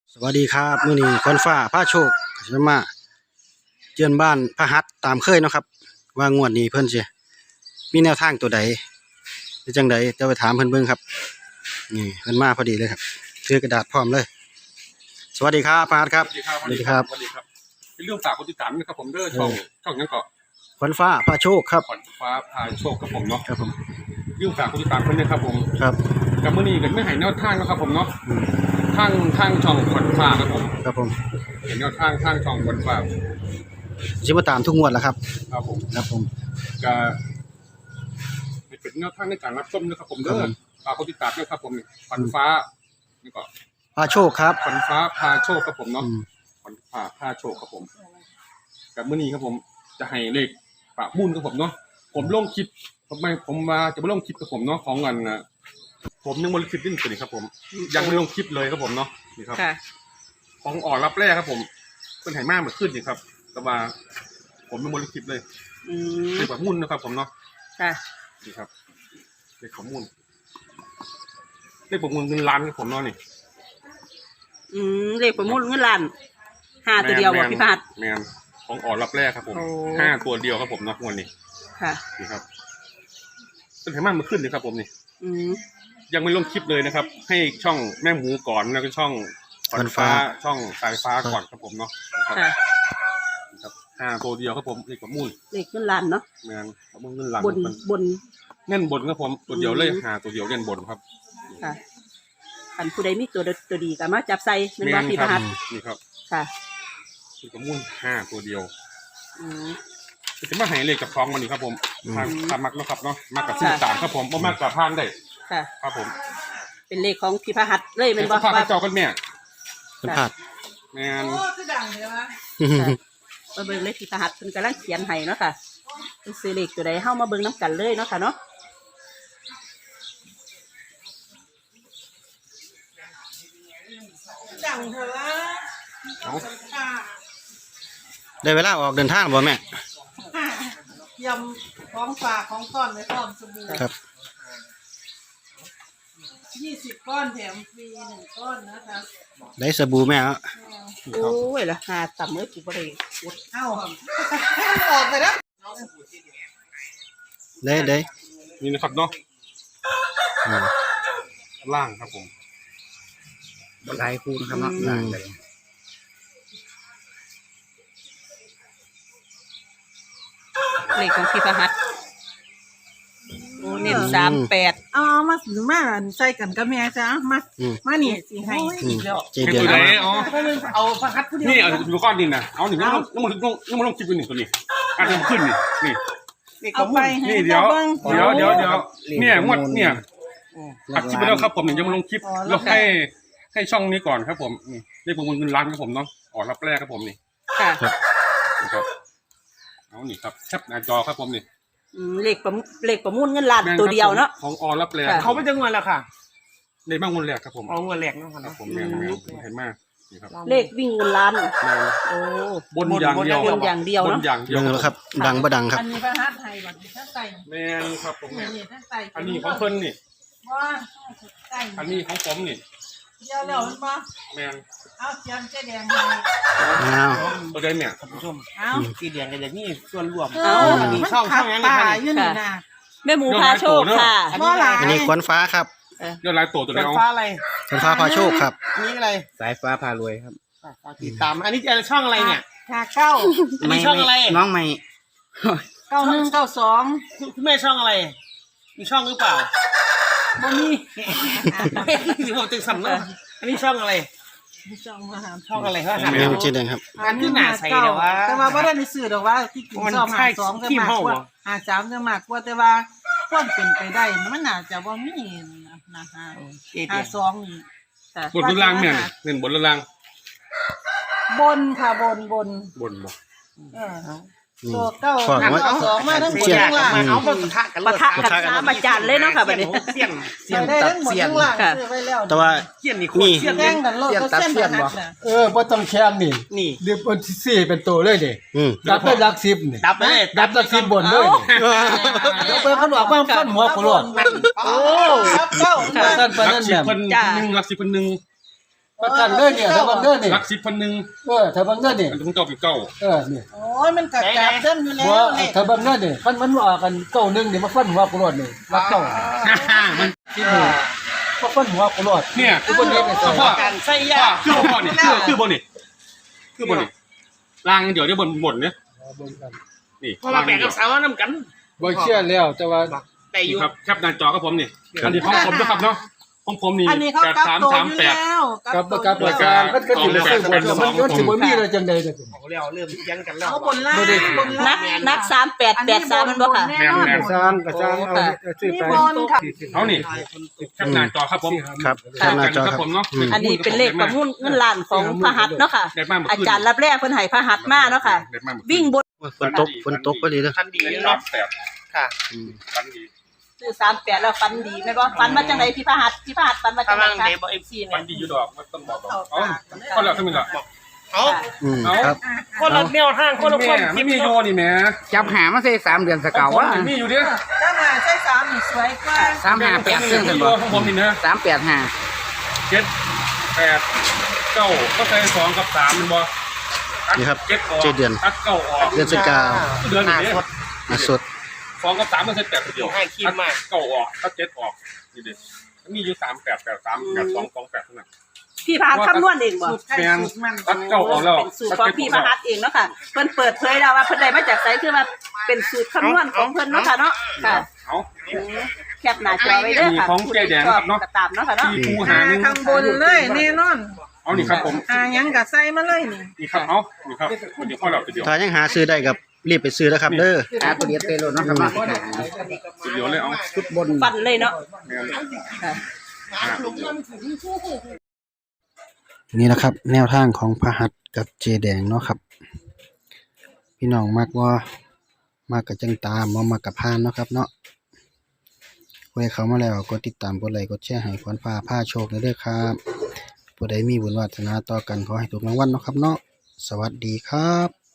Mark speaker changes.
Speaker 1: สวัสดีครับมื้อนี้คนฟ้าพาโชคจะมาเยือนบ้านพระหัตถ์ตามเคยเนาะครับว่างวดนี้เพิ่นสิมีแนวทางตัวใดหรือจังใดเดี๋ยวไปถามเพิ่นเบิ่งครับนี่เพิ่นมาพอดีเลยครับถือกระดาษพร้อมเลยสวัสดีครับพระหัตถ์ครับสวัสดีครับ
Speaker 2: เป็นเรื่องฝากคนติดตามนะครับผมเด้อช่องนั้นก็
Speaker 1: คนฟ้าพาโชคครับ
Speaker 2: ขวัญฟ้าพาโชคครับผมเนาะ
Speaker 1: ครับผม
Speaker 2: เรื่องฝากคนติดตามคนนี้ครับผม
Speaker 1: ครับ
Speaker 2: กับมื้อนี้กันไม่ให้แนวทางนะครับผมเนาะทางช่องขวัญฟ้าครับผม
Speaker 1: ครับผม
Speaker 2: เห็นแนวทางช่องขวัญฟ้า
Speaker 1: สิมาตามทุกงวดแล้วครับ
Speaker 2: ครับผม
Speaker 1: ครับผม
Speaker 2: ก็เป็นแนวทางในการรับชมนะครับผมเด้อฝากคนติดตามด้วยครับผมขวัญฟ้านี่ก็
Speaker 1: พาโชคครับ
Speaker 2: ขวัญฟ้าพาโชคครับผมเนาะขวัญฟ้าพาโชคครับผมกับมื้อนี้ครับผมจะให้เลขปะมุ่นครับผมเนาะผมลงคลิปผมมาจะมาลงคลิปกับผมเนาะของกันนะผมยังไม่ลงคลิปนี่ตัวนี้ครับผมยังไม่ลงคลิปเลยครับผมเนาะนี่ครับของอ่อนรับแรกครับผมเป็นไหมากเหมือนขึ้นนี่ครับแต่ว่าผมยังไม่ลงคลิปเลยเลขปะมุ่นนะครับผมเนาะนี่ครับเลขปะมุ่นเลขปะมุ่นเงินล้านครับผมเนาะนี่
Speaker 3: เลขประมูลเงินล้าน5ตัวเดียวบ่พี่พัด
Speaker 2: แมนของอ่อนรับแรกครับผม5ตัวเดียวครับผมเนาะวันนี้
Speaker 3: ค่ะ
Speaker 2: นี่ครับเป็นไหมากเหมือนขึ้นนี่ครับผมนี่ยังไม่ลงคลิปเลยนะครับให้ช่องแม่หมูก่อนแล้วก็ช่องขวัญฟ้าช่องสายฟ้าก่อนครับผมเนาะครับ5ตัวเดียวครับผมเลขประมูล
Speaker 3: เลขเงินล้านเนาะ
Speaker 2: แมนประมูลเงินล้าน
Speaker 3: บน
Speaker 2: เน่นบนครับผมตัวเดียวเลย5ตัวเดียวเน่นบนครับ
Speaker 3: ค่ะคันผู้ใดมีตัวดีก็มาจับใส่แม่นบ่พี่พัด
Speaker 2: นี่ครับ
Speaker 3: ค่ะ
Speaker 2: เลขประมูล5ตัวเดียวจะมาให้เลขกับคล้องมันนี่ครับผมทางมักนะครับเนาะมักกับซื้อตามครับผมบ่มักกับพานได้
Speaker 3: ค่ะ
Speaker 2: ครับผม
Speaker 3: เป็นเลขของพี่พหัตถ์เลยแม่นบ่
Speaker 2: ว่าเจ้ากันแม่
Speaker 1: เป็นพลาด
Speaker 2: แม่น
Speaker 3: คือดังเด้อวะมาเบิ่งเลขพี่พหัตถ์เพิ่นกำลังเขียนให้เนาะค่ะเพิ่นซื้อเลขตัวใดเฮามาเบิ่งนำกันเลยเนาะค่ะเนาะ
Speaker 4: ดังเถอะละ
Speaker 1: ได้เวลาออกเดินทางบ่แม่
Speaker 4: ยำของฝากของก้อนไว้พร้อมสบู่
Speaker 1: ครับ
Speaker 4: 20 ก้อนแถมฟรี1 ก้อนนะคะ
Speaker 1: ได้สบู่แม่
Speaker 3: โอ้ยละหาต่ำเอ้ยกูบ่ได้กด
Speaker 4: เอ้าออกไปแล้ว
Speaker 1: ได้
Speaker 2: นี่นะครับเนาะล่างครับผม
Speaker 1: บนไลน์คูนะครับเนาะล่างเลย
Speaker 3: เลขของพี่พหัตถ์โอ้เน้น38
Speaker 4: เอามาใส่กันกับแม่จ้ะมานี่สิให้อีกแล้ว
Speaker 1: เดือน
Speaker 4: เอาพระหัตถ์ผู้เดียว
Speaker 2: นี่เอาดูก้อนดินนะเอาหนึ่งน้ำมันลงคลิปไปหนึ่งตัวนี้อันนี้ขึ้นนี่
Speaker 4: เอาไป
Speaker 2: นี่เดี๋ยวเนี่ยงวดเนี่ยอัดคลิปไปแล้วครับผมยังมาลงคลิปแล้วให้ช่องนี้ก่อนครับผมนี่เลขประมูลเงินล้านครับผมเนาะอ่อนรับแรกครับผมนี่
Speaker 3: ค่ะ
Speaker 2: ครับเอานี่ครับแคปหน้าจอครับผมนี่
Speaker 3: เลขประมูลเงินล้านตัวเดียวเนาะ
Speaker 2: ของอ่อนรับแรก
Speaker 4: เขาไม่จะเงินแล้วค่ะ
Speaker 2: ในบ้างเงินแรกครับผม
Speaker 4: เอาเงินแรกเนาะครับ
Speaker 2: ผมแม่เห็นมากนี่ครับ
Speaker 3: เลขวิ่งเงินล้านโอ้
Speaker 2: บนอย่างเดียว
Speaker 3: บนอย่างเดียวเนาะ
Speaker 1: ดังแล้วครับดังบ่ดังครับ
Speaker 4: อันนี้พระหัตถ์ไทยบัดนี้ถ้าใส่
Speaker 2: แม่ครับผมแม่อันนี้
Speaker 4: ของ
Speaker 2: เพิ่นนี่
Speaker 4: ว่าใส่
Speaker 2: อันนี้ของผมนี่
Speaker 4: เดี๋ยวแล้วมันบ่
Speaker 2: แม่
Speaker 4: เอาเขียนเจ๊แดงให้
Speaker 2: ตัวใดเนี่ย
Speaker 4: ท่านผู้ชมเอา
Speaker 3: สีแดงกันอย่างนี้ส่วนรวม
Speaker 4: อันนี้ช่องนั้นเลยค่ะอยู่นี่นะ
Speaker 3: แม่หมูพาโชคค่ะ
Speaker 1: อันนี้ขวัญฟ้าครับ
Speaker 2: ยอดลายตัวไหน
Speaker 4: เอาฟ้าอะไร
Speaker 1: ขวัญฟ้าพาโชคครับ
Speaker 4: นี่อะไร
Speaker 5: สายฟ้าพารวยครับ
Speaker 4: ติดตามอันนี้ช่องอะไรเนี่ย9อันนี้ช่องอะไร
Speaker 5: น้องใหม่
Speaker 4: 9192คุณแม่ช่องอะไรมีช่องหรือเปล่าบ่มีสิผมตึกสำเนาะอันนี้ช่องอะไรช่องอะไรครับ
Speaker 1: แม่จีแดงครับ
Speaker 4: อันนี้หน้าใสแต่ว่าบ่ได้ในสื่อดอกว่าที่กินซ่อม52จะมากกว่า53จะมากกว่าแต่ว่าความเป็นไปได้มันน่าจะบ่มีนะคะ52นี่
Speaker 2: บนล่างเนี่ยเน้นบนล่าง
Speaker 4: บนค่ะบน
Speaker 2: บ่
Speaker 4: ตัว992มาทั้งบนทั้งล่าง
Speaker 3: เอาปะทะกัน3อาจารย์เลยเนาะค่ะบัดนี้
Speaker 4: เสียนตัดเสียน
Speaker 1: แต่ว่า
Speaker 4: เสียนนี่คนเสียนแดงกันโลดก็เสียนบ่
Speaker 5: บ่ต้องแคมนี่เรียกเป็น4เป็นตัวเลยดิดับไปหลัก10นี่
Speaker 4: ดับเลย
Speaker 5: ดับหลัก10บนเลยนี่เปิดขนมบ้างฟันหัวโคโลด
Speaker 4: โอ้ครับเจ้า
Speaker 2: ท่านปานนั้นแบบ1หลัก10คนนึง
Speaker 5: ประกันเด้อเนี่ยถ้าเบิ่งเด้อนี่
Speaker 2: รัก10พันหนึ่ง
Speaker 5: ถ้าเบิ่งเด้อนี่
Speaker 2: อันของเจ้าเป็นเก้า
Speaker 5: นี่
Speaker 4: โอ้ยมันก็จับเส้นอยู่แล้ว
Speaker 5: ว่า
Speaker 4: เลข
Speaker 5: ถ้าเบิ่งเด้อนี่มันว่ากันเก้าหนึงนี่มาฟันหัวกูรอดนี่รักเก้า
Speaker 2: มัน
Speaker 5: ที่นี่มาฟันหัวกูรอด
Speaker 2: เนี่ย
Speaker 5: คือบ่ได้ไปใส่
Speaker 2: พ่อ
Speaker 4: การใส่ยา
Speaker 2: คือบ่นี่คือบ่นี่คือบ่นี่ล่างเดี๋ยวได้บนเนี่ย
Speaker 5: เบิ่งกัน
Speaker 2: นี่
Speaker 6: เพราะว่าแบ่งกับสาวน้ำกัน
Speaker 5: บ่เชื่อแล้วแต่ว่า
Speaker 6: แต่อยู่
Speaker 2: ครับแคปหน้าจอกับผมนี่อันนี้ของผมนะครับเนาะของผมนี่
Speaker 4: อันนี้เขากลับตัวอยู่แล้ว
Speaker 5: กับประกันมันก็สิไปซื้อบนมันสิบ่มีอะไรจังได๋เด้อ
Speaker 6: เอาแล้วเริ่มยังกันแล้ว
Speaker 4: เขาบนล่างบน
Speaker 3: นั
Speaker 4: ล่าก ง
Speaker 3: นัก3883มันบ่ค่ะ
Speaker 4: แน่นอน
Speaker 5: สร้างก็สร้างเอาซื้อไป
Speaker 2: เอานี่แคปหน้าจอครับผม
Speaker 1: ครับแคปหน้าจอครับ
Speaker 2: ผมเนาะ
Speaker 3: อันนี้เป็นเลขประมูลเงินล้านของพระหัตถ์เนาะค่ะ อาจารย์รับแรกเพิ่นให้พระหัตถ์มาเนาะค่ะ วิ่งบน
Speaker 1: ฝนตกพอดีเด้อ
Speaker 6: ทันดี
Speaker 2: รอ
Speaker 6: เนาะ
Speaker 2: บแปด
Speaker 6: ค่ะ
Speaker 2: ฟันดี
Speaker 3: ซื้อ38แล้วฟันดีแม่นบ่ฟันมาจังไดพี่พระหัตถ์ฟันมาจัง
Speaker 6: กำ
Speaker 3: ได
Speaker 6: ลัง
Speaker 3: คะ
Speaker 6: เดบเอฟซีเนี่
Speaker 2: ฟั
Speaker 6: ย
Speaker 2: นดีอยู่ดอกมันต้องบอกเอาก็แล้วทั้งนี้ละ
Speaker 6: เอา
Speaker 1: ครับ
Speaker 6: คนละแนวทางคนละค
Speaker 2: แม่
Speaker 6: น
Speaker 2: ไม่มีโยนี่แม่
Speaker 7: จับหามาใส่3 เดือนสเกาวว่า
Speaker 2: มีอยู่ดิ
Speaker 4: ถ้ามาใช้สามนี่สวยกว่า
Speaker 7: 358ซึ่ง
Speaker 2: มี
Speaker 7: กัน
Speaker 2: โย
Speaker 7: บ่
Speaker 2: ของผมนี่นะ
Speaker 7: 385
Speaker 2: 7 8 9ก็ใส่2กับ3มันบ่
Speaker 1: นี่ครับ
Speaker 2: 7ออก
Speaker 1: 7เดือน
Speaker 2: ตัด9ออก
Speaker 1: เดือนสกาว
Speaker 2: เดือนนี้
Speaker 1: มาสด
Speaker 2: 2กับ3มันใส่8เดียวตัด9ออกตัด7ออกนี่ดิมีอยู่3 8 8 3 8 2 2 8เท่านั้น
Speaker 3: พี่พระหัตถ์คำนวณเองบ่
Speaker 2: แม่นตัด9ออกแล้ว
Speaker 3: เป็นสูตรของพี่พระหัตถ์เองเนาะค่ะเพิ่นเปิดเผยแล้วว่าเพิ่นได้มาจากไสคือว่าเป็นสูตรคำนวณของเพิ่นเนาะค่ะเนาะค่ะ
Speaker 2: เอา
Speaker 3: แคปหน้าจอไว้เด้อค่ะ
Speaker 2: ของเจ๊แดงครับเนาะ
Speaker 3: ก็ตามเนาะค่ะเนาะ
Speaker 2: ที่ผู้หาหนึ่ง
Speaker 4: ข้างบนเลยแน่นอน
Speaker 2: เอานี่ครับผม
Speaker 4: ยังกับใส่มาเลยนี่
Speaker 2: นี่ครับเอานี่ครับเดี๋ยวพ่อเราเดี๋ยว
Speaker 1: ถ้ายังหาซื้อได้กับรีบไปซื้อนะครับเด้อ
Speaker 7: ตัวเดียวเตโลเนาะครับเนาะ
Speaker 2: เดี๋ยวเลยเอา
Speaker 7: ชุดบน
Speaker 3: ฟันเลยเนาะ
Speaker 2: แม่น
Speaker 3: ค่ะ
Speaker 1: นี่นะครับ แนวทางของพระหัตถ์กับเจแดงเนาะครับ พี่น้องมักว่ามากกับจังตามบ่มากกับพานเนาะครับเนาะผู้ใดเข้ามาแล้วกดติดตามกดไลค์กดแชร์ให้ขวัญฟ้าผ้าโชคเด้อครับผู้ใดมีบุญวาสนาต่อกันขอให้ถูกรางวัลเนาะครับเนาะสวัสดีครับ